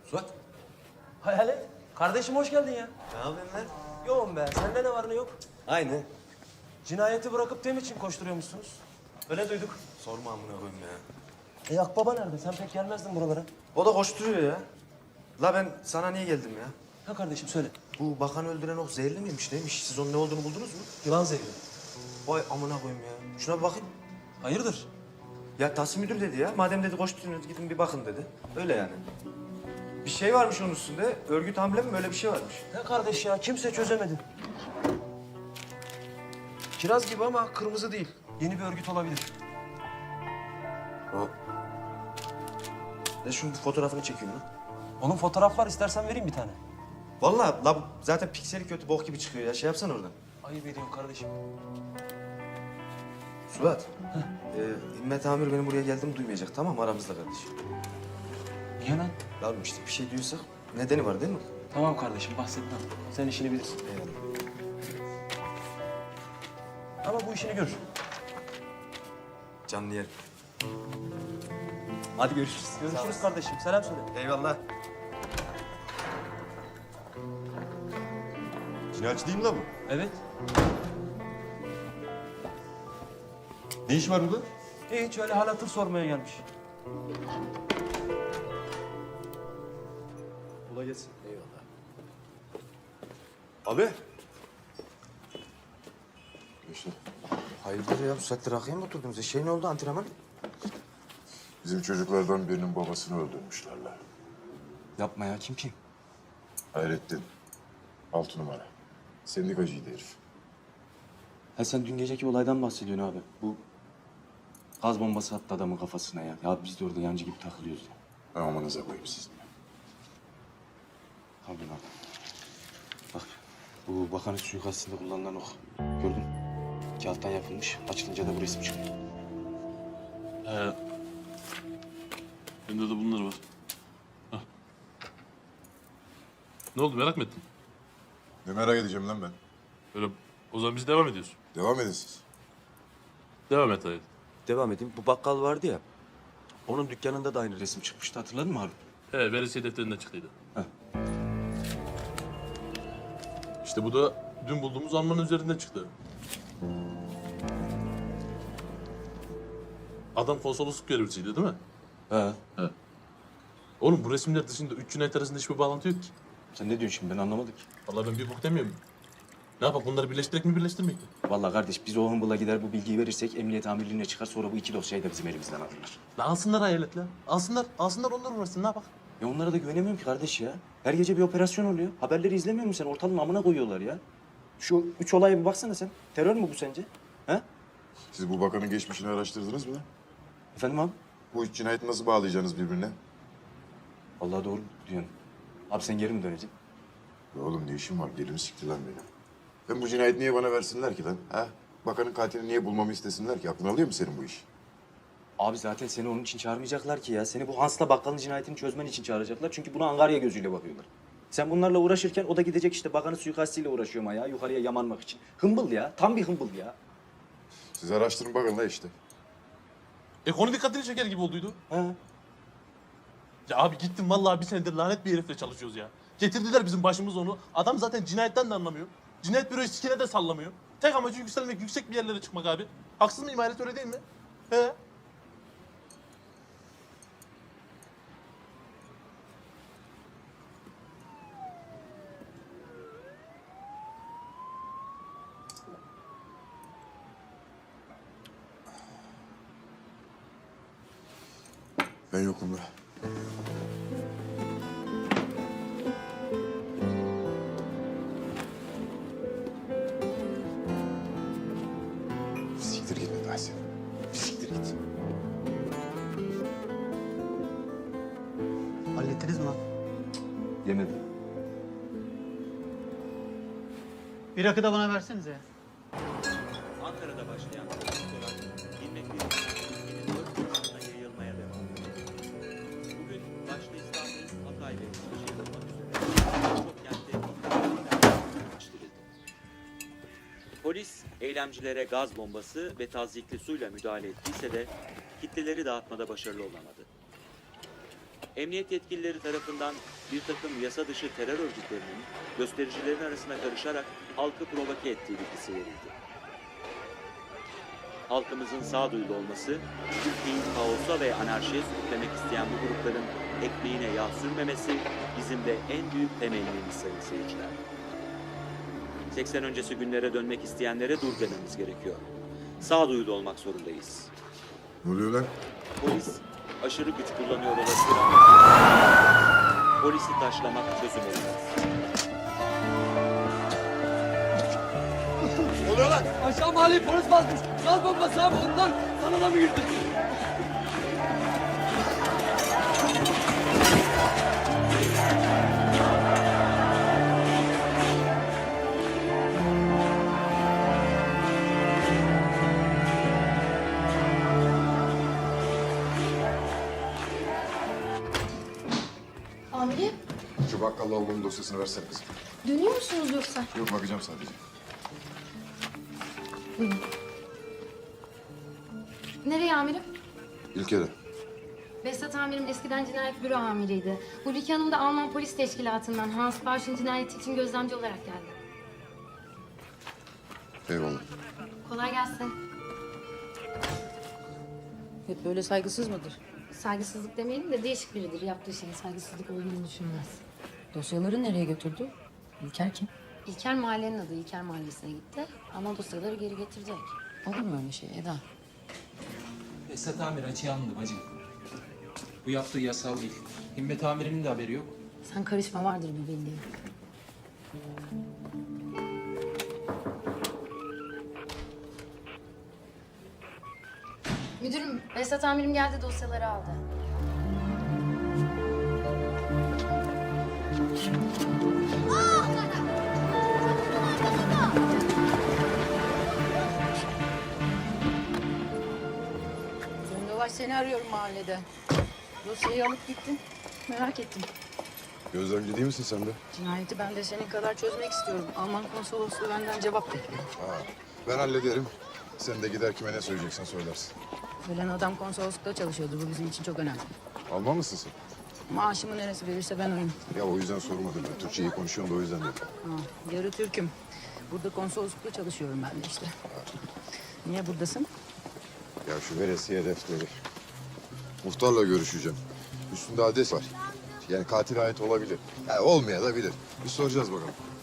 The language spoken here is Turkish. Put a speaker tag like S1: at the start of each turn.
S1: Suat.
S2: Hayalet. Kardeşim hoş geldin ya.
S1: Ne yapıyorsun lan?
S2: Yoğun be. Sende ne var ne yok?
S1: Aynı.
S2: Cinayeti bırakıp tem için koşturuyormuşsunuz. Öyle duyduk.
S1: Sorma amına koyayım ya.
S2: Akbaba nerede? Sen pek gelmezdin buralara.
S1: O da koşturuyor ya. La ben sana niye geldim ya?
S2: Ha kardeşim söyle.
S1: Bu bakanı öldüren o zehirli miymiş neymiş? Siz onun ne olduğunu buldunuz mu?
S2: Yılan zehri.
S1: Vay amına koyayım ya. Şuna bir bakayım.
S2: Hayırdır?
S1: Ya Tahsin müdür dedi ya. Madem dedi koşturuyorsunuz gidin bir bakın dedi. Öyle yani. Bir şey varmış onun üstünde. Örgüt amblemi mi öyle bir şey varmış.
S2: Ne kardeş ya? Kimse çözemedi.
S1: Kiraz gibi ama kırmızı değil.
S2: Yeni bir örgüt olabilir.
S1: O. Ne şunun bir fotoğrafını çekeyim lan.
S2: Onun fotoğraf var. İstersen vereyim bir tane.
S1: Vallahi la zaten pikseli kötü bok gibi çıkıyor ya. Şey yapsana oradan.
S2: Ayıp ediyorum kardeşim.
S1: Suat. İmmet Amir benim buraya geldim duymayacak tamam mı aramızda kardeşim.
S2: Niye lan?
S1: Ya oğlum işte bir şey diyorsak nedeni var değil mi?
S2: Tamam kardeşim bahsetmem. Sen işini bilirsin. Ama bu işini görür.
S1: Canlı yerim. Hadi görüşürüz.
S2: Görüşürüz kardeşim. Selam söyle.
S1: Eyvallah.
S3: Cinayetçi değil mi lan bu?
S2: Evet.
S3: Ne iş var burada?
S2: Hiç öyle hal hatır sormaya gelmiş.
S1: Kolay gelsin. Eyvallah.
S3: Abi.
S1: İşte. Hayırdır ya bu saatte rakıya mı oturdunuz? Şey ne oldu antrenman?
S4: Bizim çocuklardan birinin babasını öldürmüşler lan.
S1: Yapma ya kim?
S4: Hayrettin. 6 numara. Sendikacıydı herif.
S5: Ha sen dün geceki olaydan bahsediyorsun abi. Bu gaz bombası attı adamın kafasına ya. Ya biz de orada yancı gibi takılıyoruz ya.
S4: Amanıza koyayım sizin.
S5: Abi bak. Bak bu bakanın suikastinde kullanılan ok. Gördün. Kağıttan yapılmış. Açılınca da bu resim çıkıyor.
S6: Bende de bunlar var. Hah. Ne oldu merak mı ettin?
S4: Ne merak edeceğim lan ben.
S6: Böyle o zaman biz devam ediyoruz.
S4: Devam edin siz.
S6: Devam et hayır.
S5: Devam edeyim. Bu bakkal vardı ya. Onun dükkanında da aynı resim çıkmıştı. Hatırladın mı abi?
S6: Veresiye defterinden çıktıydı.
S5: Heh.
S6: İşte bu da dün bulduğumuz almanın üzerinden çıktı. Adam konsolosluk görevlisiydi değil mi?
S5: He.
S6: Oğlum bu resimler dışında üç cinayet arasında hiçbir bağlantı yok ki.
S5: Sen ne diyorsun şimdi? Ben anlamadım ki.
S6: Vallahi ben bir bok demiyorum. Ne yapak bunları birleştirek mi birleştirmek mi?
S5: Vallahi kardeş biz o hımbıla gider bu bilgiyi verirsek emniyet amirliğine çıkar. Sonra bu iki dosyayı da bizim elimizden alırlar.
S6: La alsınlar hayalet la. Alsınlar onlar uğraşsın ne yapak?
S5: Ya onlara da güvenemiyorum ki kardeş ya. Her gece bir operasyon oluyor. Haberleri izlemiyor musun sen? Ortalığın amına koyuyorlar ya. Şu 3 olaya bir baksana sen. Terör mü bu sence? He?
S4: Siz bu bakanın geçmişini araştırdınız mı lan?
S5: Efendim abi?
S4: Bu üç cinayeti nasıl bağlayacaksınız birbirine?
S5: Vallahi doğru diyorsun. Abi sen geri mi döneceksin?
S4: Ya oğlum ne işim var? Delimi sikti lan benim. Hem bu cinayeti niye bana versinler ki lan? Ha? Bakanın katilini niye bulmamı istesinler ki? Aklına alıyor mu senin bu iş?
S5: Abi zaten seni onun için çağırmayacaklar ki ya. Seni bu Hans'la bakkalın cinayetini çözmen için çağıracaklar. Çünkü buna Angarya gözüyle bakıyorlar. Sen bunlarla uğraşırken o da gidecek işte bakanın suikastiyle uğraşıyor ama ya. Yukarıya yamanmak için. Hımbıl ya. Tam bir hımbıl ya.
S4: Siz araştırın bakın la işte.
S6: Konu dikkatini çeker gibi olduydu.
S5: He.
S6: Ya abi gittim vallahi bir senedir lanet bir herifle çalışıyoruz ya. Getirdiler bizim başımıza onu. Adam zaten cinayetten de anlamıyor. Cinayet büroyu sikine de sallamıyor. Tek amacı yükselmek, yüksek bir yerlere çıkmak abi. Haksız mıyım Hayret öyle değil mi? He?
S4: Ben yokum la. Siktir git be Tahsin. Siktir git.
S7: Hallettiniz mi lan?
S5: Yemedim.
S7: Bir rakı da bana versenize.
S8: Ankara'da başlayan festival 21 Ekim'in 4 Kasım'ına yayılmaya devam ediyor. Bugün başta İstanbul, Hatay ve Eskişehir olmak üzere birçok kentte gerçekleştirildi. Polis eylemcilere gaz bombası ve tazyikli suyla müdahale ettiyse de kitleleri dağıtmada başarılı olamadı. Emniyet yetkilileri tarafından bir takım yasa dışı terör örgütlerinin göstericilerin arasına karışarak halkı provoke ettiği bilgisi verildi. Halkımızın sağduyulu olması, ülkeyi kaosa ve anarşiye sürüklemek isteyen bu grupların ekmeğine yağ sürmemesi bizim de en büyük temennimiz sayın seyirciler. 80 öncesi günlere dönmek isteyenlere dur dememiz gerekiyor. Sağduyulu olmak zorundayız.
S4: Ne oluyor lan?
S8: Polis aşırı güç kullanıyor olabilir ama polisi taşlamak çözüm olmaz.
S9: Aşağı mahalleyi polis basmış. Gaz bombası abi ondan kanala mı girdi?
S10: Amirim,
S4: Şu bakkal lavabonun dosyasını versene kızım.
S10: dönüyor musunuz yoksa?
S4: Yok bakacağım sadece.
S10: Nereye amirim?
S4: İlker'e.
S10: Behzat amirim eskiden cinayet büro amiriydi. Huliki Hanım da Alman polis teşkilatından Hans Bausch'un cinayeti için gözlemci olarak geldi.
S4: Eyvallah.
S10: Kolay gelsin.
S9: Hep böyle saygısız mıdır?
S10: Saygısızlık demeyelim de değişik biridir. Yaptığı şeyin saygısızlık olduğunu düşünmez.
S9: Dosyaları nereye götürdü? İlker kim?
S10: İlker mahallenin adı. İlker mahallesine gitti. Ama dosyaları geri getirecek.
S9: Olur mu öyle şey Eda?
S11: Esat amir açığa alındı bacım. Bu yaptığı yasal değil. Himmet amirinin de haberi yok.
S10: Sen karışma, vardır bir bildiğin. Müdürüm, Behzat amirim geldi, dosyaları aldı.
S9: Döndolaş seni arıyorum mahallede. Dosyayı alıp gittin. Merak ettim.
S4: Gözlemci değil misin sen de?
S9: Cinayeti ben de senin kadar çözmek istiyorum. Alman konsolosluğu benden cevap bekliyor.
S4: Ha, ben hallederim. Sen de gider kime ne söyleyeceksen söylersin.
S9: Ölen adam konsoloslukta çalışıyordu. Bu bizim için çok önemli.
S4: Alman mısın sen?
S9: Maaşımı neresi verirse ben oyum.
S4: Ya o yüzden sormadım ben. Türkçe iyi konuşuyorum da o yüzden dedim.
S9: Ha, yarı Türk'üm. Burada konsoloslukta çalışıyorum ben de işte. Niye buradasın?
S4: Ya şu veresiye defteri. Muhtarla görüşeceğim. Üstünde adres var. Yani katil ait olabilir. Ya olmaya da bilir. Bir soracağız bakalım.